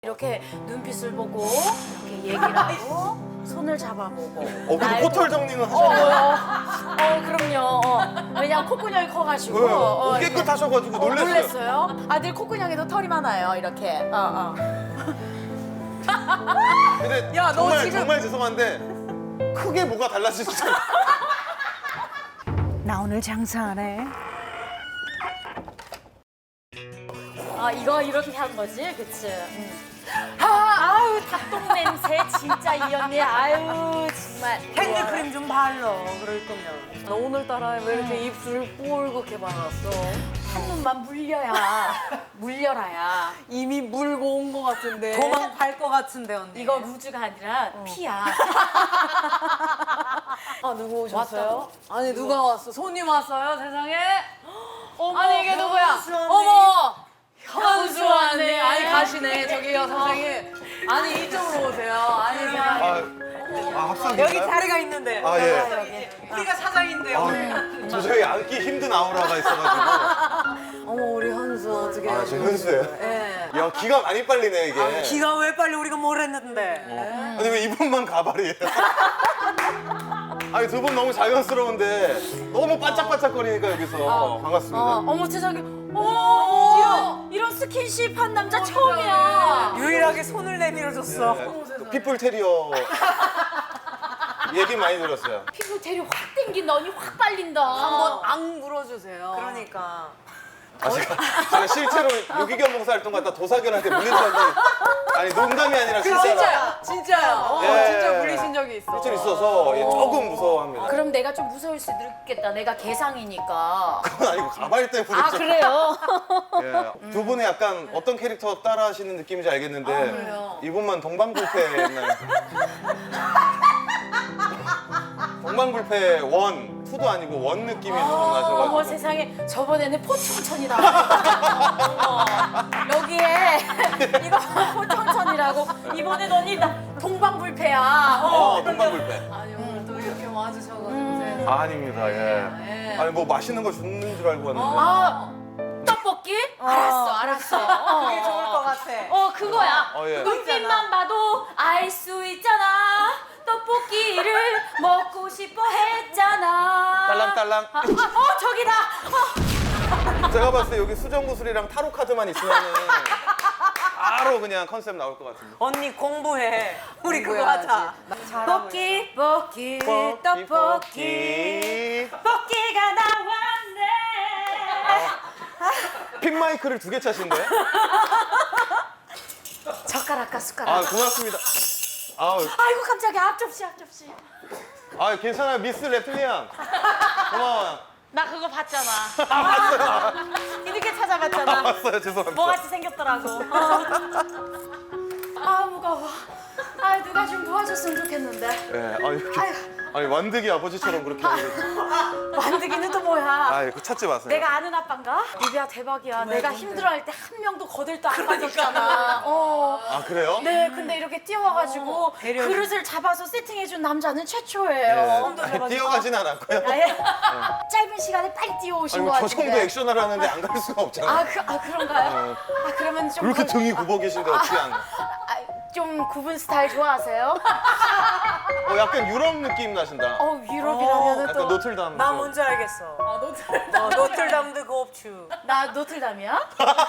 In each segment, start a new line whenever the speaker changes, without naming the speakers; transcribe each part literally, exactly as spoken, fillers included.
이렇게 눈빛을 보고 이렇게 얘기를 하고 손을 잡아보고.
어, 근데
날
코털
보-
정리는
어,
하셨나요?
어, 어, 그럼요. 어. 왜냐면 콧구녕이 커가지고.
네,
어,
어, 깨끗하셔가지고
어,
놀랐어요.
놀랬어요. 아들 콧구녕에도 털이 많아요. 이렇게. 어, 어.
근데
야, 너
정말
지금-
정말 죄송한데 크게 뭐가 달라지시잖아요.
나 오늘 장사하네.
아 이거 이렇게 한 거지, 그치? 응. 아, 아유 닭똥 냄새 진짜 이 언니. 아유 정말.
핸드크림 좀 발라. 그럴 거면. 너 오늘따라 왜 이렇게 입술 뽀글게 발랐어?
한 눈만 물려야 물려라야.
이미 물고 온 거 같은데. 도망갈 거 같은데 언니.
이거 루즈가 아니라 피야.
아 누구 오셨어요?
왔다고?
아니 누가 왔어? 손님 왔어요 세상에?
어머,
아니 이게 누구야?
현수 언니.
어머 현수 언니.
언니.
아니 가시네 저기요 선생님. 아니 이쪽으로 오세요. 아니 제가
아, 아 합석인가요?
여기 자리가 있는데.
아 예.
우리가 사장인데요.
아, 도저히 앉기 힘든 아우라가 있어가지고.
어머 우리 현수 어떻게?
아, 저 현수예요?
예.
야 기가 많이 빨리네 이게.
기가 왜 빨리 우리가 뭘 했는데?
어. 아니 왜 이분만 가발이에요? 아니 두 분 너무 자연스러운데 너무 반짝반짝거리니까 여기서 반갑습니다.
어, 어머 세상에. 어머, 이런, 이런 스킨십 한 남자 처음이야.
유일하게 손을 내밀어줬어.
네, 또 핏불 테리어 얘기 많이 들었어요.
피부 대리 확 땡긴다. 언니 확 빨린다.
한번 앙 물어주세요. 그러니까.
아, 제가, 제가 실제로 유기견 봉사활동 갔다 도사견한테 물린 줄 알았는데 아니 농담이 아니라 진짜로
진짜요, 진짜요. 어,
예.
진짜 물리신 적이 있어.
실제로 있어서 예, 조금 무서워합니다.
그럼 내가 좀 무서울 수도 있겠다. 내가 개상이니까.
그건 아니고 가발 때문에
아
좀.
그래요?
예. 두 분이 약간 어떤 캐릭터 따라 하시는 느낌인지 알겠는데
그래요?
이분만 동방불패 옛날 동방불패 원, 투도 아니고 원 느낌이 좀
어머
나셔가지고
세상에 저번에는 포청천이 나왔어. 여기에 이거 포청천이라고. 이번엔 언니 나 동방불패야. 어.
어, 동방불패.
아니 오늘 또 이렇게 와주셔가지고.
아, 아닙니다. 예.
네.
아니 뭐 맛있는 거 주는 줄 알고 왔는데.
아 떡볶이? 알았어 알았어. 어.
그게 좋을 것 같아.
어 그거야.
어, 예.
눈빛만 봐도 알 수 있잖아. 떡볶이를 먹고 싶어 했잖아.
딸랑딸랑.
아, 아, 어 저기다. 어.
제가 봤을 때 여기 수정구슬이랑 타로 카드만 있으면은 바로 그냥 컨셉 나올 것 같은데.
언니 공부해. 우리 그거 하자.
떡볶이 볶기 떡볶이 떡볶이가 나왔네.
픽 마이크를 두 개 차신데?
젓가락과 숟가락.
아 고맙습니다. 아,
아이고 깜짝이야. 앞접시 앞접시.
아 괜찮아요 미스 레플리안. 고마워요.
나 그거 봤잖아. 아, 이렇게 찾아봤잖아.
왔어요 죄송합니다.
뭐같이 생겼더라고. 어. 아 무거워. 아 누가 좀 도와줬으면 좋겠는데.
예, 아 이렇게
아유.
아니 완득이 아버지처럼 그렇게 하고.
만드기는 또 뭐야.
아 이거 찾지 마세요.
내가 아는 아빠인가? 리비야 대박이야. 내가 힘들어할 때 한 명도 거들떠 안 빠졌잖아. 어.
아 그래요?
네, 근데 이렇게 뛰어와가지고
배려해.
그릇을 잡아서 세팅해준 남자는 최초예요.
예. 아니, 뛰어가진 않았고요.
아예 짧은 시간에 빨리 뛰어오신
아니
것
뭐저
같은데.
정도 액션을 하는데 안 갈 수가 없잖아요.
아, 그, 아 그런가요? 아 그러면 좀
이렇게
건-
등이 굽어 계신데 어떻게 안?
아, 좀 구분 스타일 좋아하세요?
어 약간 유럽 느낌 나신다.
어 유럽이라면은
약간
또
노틀담.
나
쪽.
뭔지 알겠어.
아, 노틀담.
어, 노틀담드 고업추.
나 노틀담이야?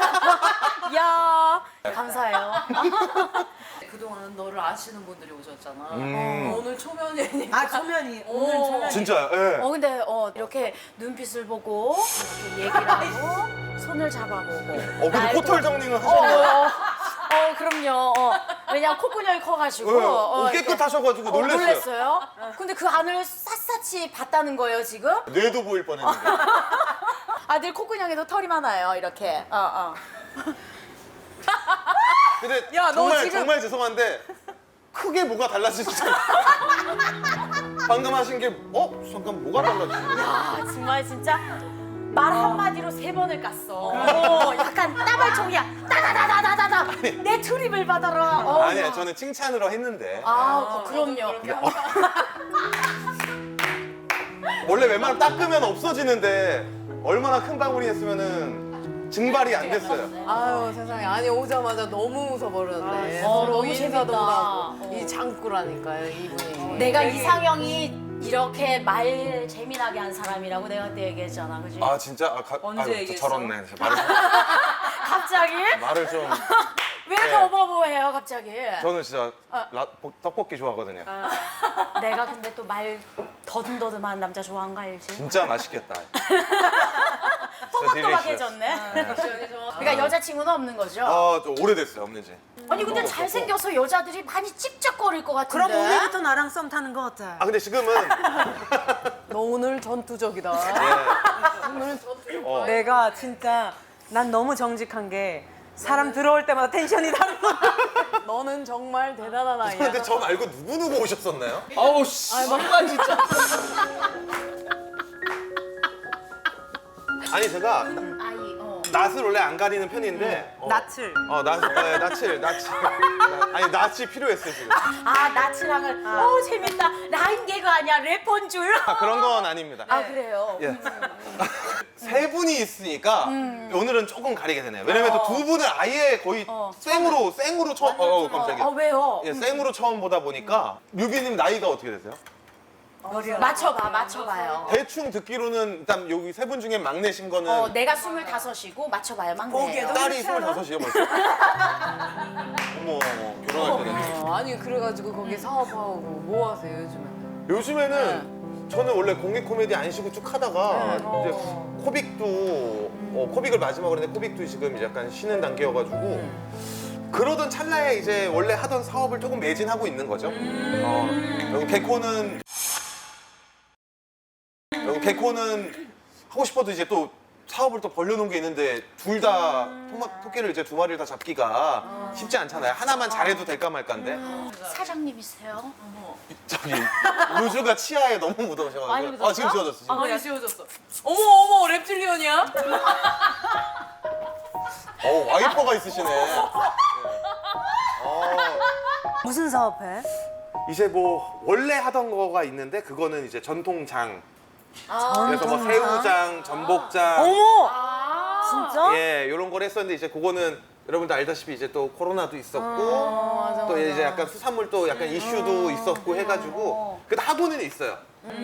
야 감사해요.
그동안 너를 아시는 분들이 오셨잖아.
음.
오늘 초면이니까. 아 초면이. 오늘
오.
초면이.
진짜요? 예.
어 근데 어 이렇게 눈빛을 보고 이렇게 얘기를 하고 손을 잡아보고.
어 근데
날
코털
보-
정리는
어,
하셨나요?
어, 어 그럼요. 어. 왜냐면 콧구녕이 커가지고.
예.
어,
어,
이렇게.
깨끗하셔가지고
어,
놀랐어요.
놀랬어요. 근데 그 안을 샅샅이 봤다는 거예요 지금?
뇌도 보일 뻔했는데.
아들 콧구녕에도 털이 많아요 이렇게. 어 어.
근데
야, 너
정말
지금-
정말 죄송한데 크게 뭐가 달라지시잖아요. 방금 하신 게 어? 잠깐 뭐가 달라지지?
아 정말 진짜 말 한마디로 세 번을 깠어. 어, 약간 따발총이야. 따다다다다다다. 내 트립을 받아라. 어,
아니야
야.
저는 칭찬으로 했는데
아, 그럼요.
원래 웬만하면 닦으면 없어지는데 얼마나 큰 방울이 했으면은 증발이 안 됐어요.
아유 세상에. 아니 오자마자 너무 웃어버렸네.
어,
서로
너무
인사도
재밌다.
하고.
어.
이 장꾸라니까요 이분이.
내가 이상형이 이렇게 말 재미나게 한 사람이라고 내가 그때 얘기했잖아, 그지?
아 진짜? 아, 가,
언제
아유,
얘기했어?
저렇네. 말을,
갑자기?
말을 좀.
왜
네.
더버버해요, 갑자기?
저는 진짜
아.
라, 떡볶이 좋아하거든요.
내가 근데 또 말 더듬더듬한 남자 좋아한 거 알지?
진짜 맛있겠다.
또박또박해졌네. 그러니까 여자친구는 없는 거죠?
아, 좀 오래됐어요, 없는지.
아니 근데 잘생겨서 여자들이 많이 찝쩍거릴 것 같은데.
그럼 오늘부터 나랑 썸 타는 거 어때?
아, 근데 지금은
너 오늘 전투적이다.
네.
오늘 전투적.
어.
내가 진짜 난 너무 정직한 게 사람 들어올 때마다 텐션이 다른 거.
너는 정말 대단한 아이야.
근데 저 말고 누구 누구 오셨었나요? 아우 씨. 아, 진짜. 아니 제가
아이 어.
낯을 원래 안 가리는 편인데 어,
낯을.
어 낯, 네, 낯을 낯을 나- 아니 낯이 필요했어요 지금.
아 나츠랑을 오 재밌다. 라인 개그 아니야 래퍼인 줄.
아, 그런 건 아닙니다.
아 그래요.
예. 세 분이 있으니까 오늘은 조금 가리게 되네요. 왜냐면 또 두 분을 아예 거의
어.
생으로 생으로 처음 어, 어 깜짝이야.
아 왜요?
예, 생으로 처음 보다 보니까 류비님 나이가 어떻게 되세요?
맞춰봐 맞춰봐요.
대충 듣기로는 일단 여기 세 분 중에 막내신 거는
어 내가 스물다섯이고 맞춰봐요 막내예요.
보기에도
딸이 스물다섯이요 벌써? 어머 결혼할 때는
어, 아니 그래가지고 거기 사업하고 뭐 하세요 요즘에는?
요즘에는 저는 원래 공익 코미디 안 쉬고 쭉 하다가 이제 코빅도 어, 코빅을 마지막으로 했는데 코빅도 지금 이제 약간 쉬는 단계여가지고 그러던 찰나에 이제 원래 하던 사업을 조금 매진하고 있는 거죠. 어, 여기 개코는 여기 개코는 하고 싶어도 이제 또 사업을 또 벌려놓은 게 있는데 둘 다 토끼를 이제 두 마리를 다 잡기가 쉽지 않잖아요. 하나만 잘해도 될까 말까인데
사장님이세요?
저기 루즈가 치아에 너무 묻어오셔가지고
많이 묻었어?
아 지금 지워졌어 지금.
많이 지워졌어. 어머 어머 랩틸리언이야?
어 와이퍼가 있으시네. 네. 어,
무슨 사업해?
이제 뭐 원래 하던 거가 있는데 그거는 이제 전통장. 그래서 뭐
전통장?
새우장, 전복장,
어머!
아
진짜?
예 이런 걸 했었는데 이제 그거는 여러분들 알다시피 이제 또 코로나도 있었고
어, 맞아,
또
맞아.
이제 약간 수산물도 약간 이슈도 있었고 해가지고 그래도 하고는 있어요.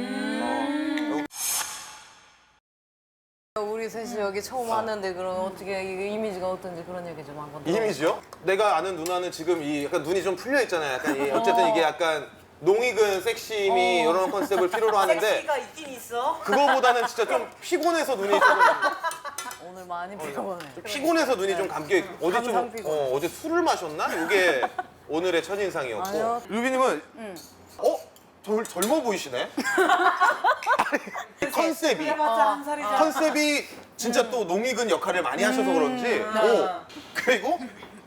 우리 셋이 여기 처음 왔는데 그럼 어떻게 이 이미지가 어떤지 그런 얘기 좀 한번. 들어볼게요.
이미지요? 내가 아는 누나는 지금 이 약간 눈이 좀 풀려 있잖아요. 약간 이 어쨌든 이게 약간 농익은 섹시미 이런 컨셉을 필요로 하는데
섹시가 있긴 있어.
그거보다는 진짜 좀 피곤해서 눈이 좀
오늘 많이 피곤해.
피곤해서 눈이 좀 감겨 있고 어제 좀
항상 피곤해.
어, 어제 술을 마셨나? 이게 오늘의 첫인상이었고
아니요.
루비님은 어? 절, 젊어 보이시네? 아니, 컨셉이
그래봤자 한 살이잖아.
컨셉이 진짜 또 농익은 역할을 많이 하셔서 그런지 오 그리고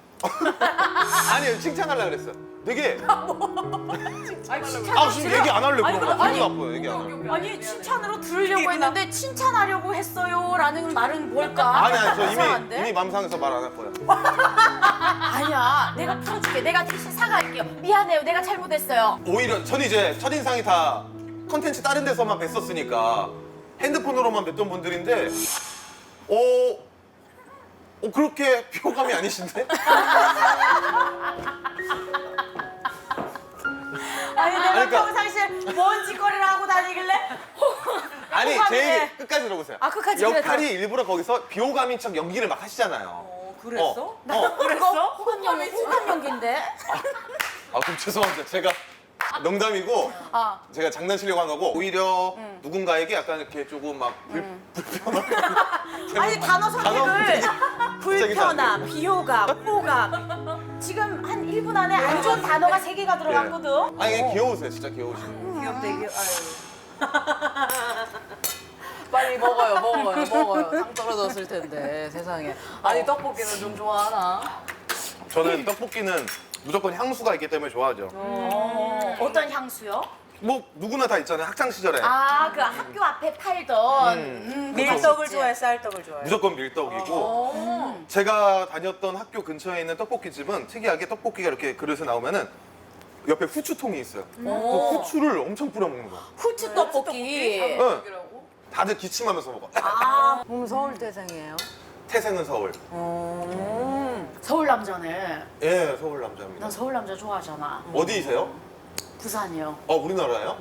아니 칭찬하려고 그랬어요. 되게 아 지금 얘기 안 하려고 그런 거
아니,
기분 나빠요. 얘기 안 하려고.
아니 칭찬으로 들으려고 했는데 칭찬하려고 했어요라는 말은 뭘까?
아니 아니 저 이미
이상한데?
이미 맘 상해서 말 안 할 거예요.
아니야 내가 풀어줄게. 내가 대신 사과할게요. 미안해요. 내가 잘못했어요.
오히려 전 이제 첫인상이 다 컨텐츠 다른 데서만 뵀었으니까 핸드폰으로만 뵀던 분들인데 어, 어 그렇게 비호감이 아니신데?
아니 내가
그러니까-
평상시에 뭔 짓거리를 하고 다니길래
아니
호감이네.
제 얘기 끝까지 들어보세요.
아, 끝까지
역할이 일부러 거기서 비호감인 척 연기를 막 하시잖아요.
어, 그랬어?
어, 어.
그랬어? 호감 연기 호감 연기인데?
아 그럼 죄송합니다. 제가 농담이고
아
제가 장난치려고 한 거고 오히려 누군가에게 약간 이렇게 조금 막 불, 불편한
아니 단어 선택을
단어
불편함, 비호감, 호감 지금 한 일 분 안에 안 좋은 단어가 세 개가 들어갔거든.
아니
어.
귀여우세요. 진짜 귀여우시고.
귀엽다 이게. 아유.
빨리 먹어요, 먹어요, 먹어요. 상 떨어졌을 텐데 세상에. 아니 떡볶이는 좀 좋아하나?
저는 떡볶이는 무조건 향수가 있기 때문에 좋아하죠.
어, 어떤 향수요?
뭐 누구나 다 있잖아요. 학창 시절에
아 그 학교 앞에 팔던 음,
밀떡을 좋아해, 쌀떡을 좋아해.
무조건 밀떡이고
어.
제가 다녔던 학교 근처에 있는 떡볶이 집은 특이하게 떡볶이가 이렇게 그릇에 나오면은 옆에 후추통이 있어요. 그 후추를 엄청 뿌려 먹는 거야.
후추 떡볶이.
응. 다들 기침하면서 먹어.
아
그럼 서울 태생이에요?
태생은 서울.
음.
서울 남자네.
예, 서울 남자입니다.
난 서울 남자 좋아하잖아.
어디이세요?
부산이요.
어, 우리나라요?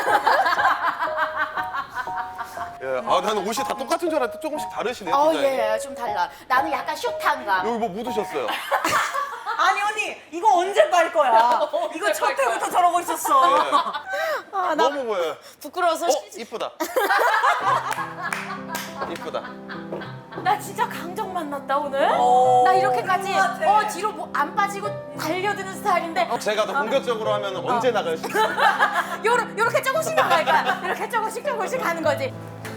예, 아, 나는 옷이 다 똑같은 줄 알았는데 조금씩 다르시네요.
어,
디자인이.
예, 좀 달라. 나는 약간 숏한가.
여기 뭐 묻으셨어요?
아니 언니 이거 언제 빨 거야? 이거 첫 회부터 저러고 있었어.
예. 너무 보여요.
부끄러워서.
어,
시-
이쁘다. 이쁘다.
나 진짜 강정 만났다 오늘.
오,
나 이렇게까지
같아.
어 뒤로 뭐 안 빠지고 달려드는 스타일인데
제가 더 공격적으로 하면 언제 나갈 수 있어요?
요러, 요렇게 조금씩 나갈 거야. 이렇게 조금씩 조금씩 가는 거지.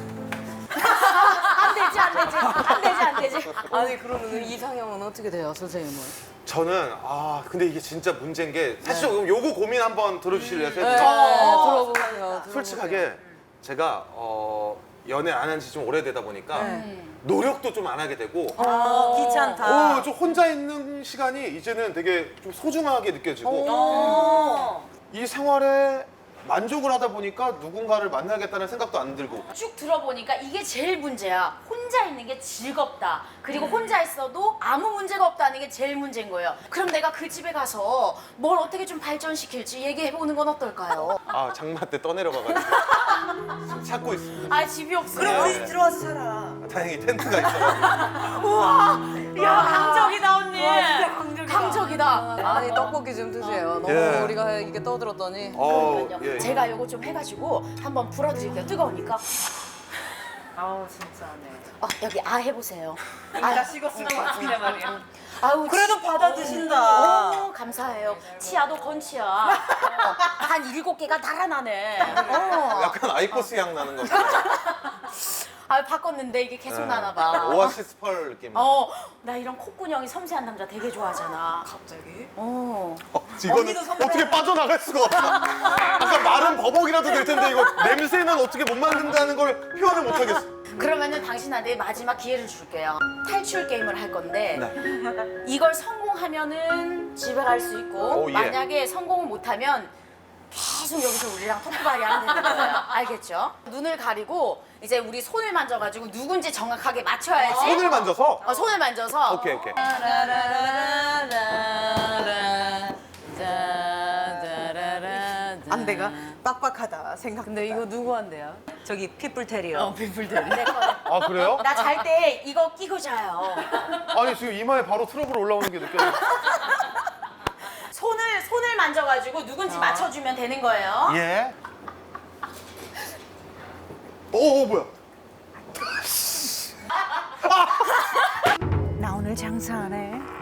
안 되지 안 되지 안 되지 안 되지.
아니 그러면 이상형은 어떻게 돼요, 선생님은?
저는 아 근데 이게 진짜 문제인 게 사실 요 요거 고민 한번 들어주실래요?
네,
네.
들어보세요. 들어보세요.
솔직하게 제가 어, 연애 안 한 지 좀 오래되다 보니까
네.
노력도 좀 안 하게 되고
어, 귀찮다.
어, 좀 혼자 있는 시간이 이제는 되게 좀 소중하게 느껴지고
어.
이 생활에 만족을 하다 보니까 누군가를 만나겠다는 생각도 안 들고
쭉 들어보니까 이게 제일 문제야. 혼자 있는 게 즐겁다. 그리고 혼자 있어도 아무 문제가 없다는 게 제일 문제인 거예요. 그럼 내가 그 집에 가서 뭘 어떻게 좀 발전시킬지 얘기해보는 건 어떨까요?
아 장마 때 떠내려가가지고 찾고 있습니다.
아 집이 없어요.
그럼 우리 집 들어와서 살아.
다행히 텐트가 있어요.
우와, 야 강적이다 언니.
와, 진짜 강적이다.
강적이다.
아니 떡볶이 좀 드세요. 너무
예.
우리가 이게 떠들었더니.
어,
그러니까요.
예.
제가 요거 좀 해가지고 한번 불어드릴게요. 뜨거우니까.
아우 진짜네.
어, 여기 아 해보세요.
나 식었을 것 같은데 말이야.
아우
그래도 받아 드신다.
오, 감사해요. 치아도 건치야. 어, 한 일곱 개가 달아나네. 어.
약간 아이코스 향 나는 거.
아 바꿨는데 이게 계속 나나 봐.
오아시스 펄 느낌.
어, 나 이런 콧구녕이 섬세한 남자 되게 좋아하잖아.
갑자기?
어.
어, 이거는
언니도 선배.
어떻게 빠져나갈 수가 없어. 아까 마른 버벅이라도 될 텐데 이거 냄새는 어떻게 못 만든다는 걸 표현을 못 하겠어.
그러면은 당신한테 마지막 기회를 줄게요. 탈출 게임을 할 건데
네.
이걸 성공하면은 집에 갈 수 있고
오, 예.
만약에 성공을 못하면 계속 여기서 우리랑 토크발이 하면 되는 거예요. 알겠죠? 눈을 가리고 이제 우리 손을 만져가지고 누군지 정확하게 맞춰야지.
손을 만져서.
어, 손을 만져서.
오케이 오케이.
안 돼가 빡빡하다 생각.
근데 이거 누구 한대요?
저기 핏불 테리어.
내 거는.
아 그래요?
나 잘 때 이거 끼고 자요.
아니 지금 이마에 바로 트러블 올라오는 게 느껴져.
손을 손을 만져가지고 누군지 맞춰주면 되는 거예요.
예. 오, 오 뭐야?
나 오늘 장사 안 해.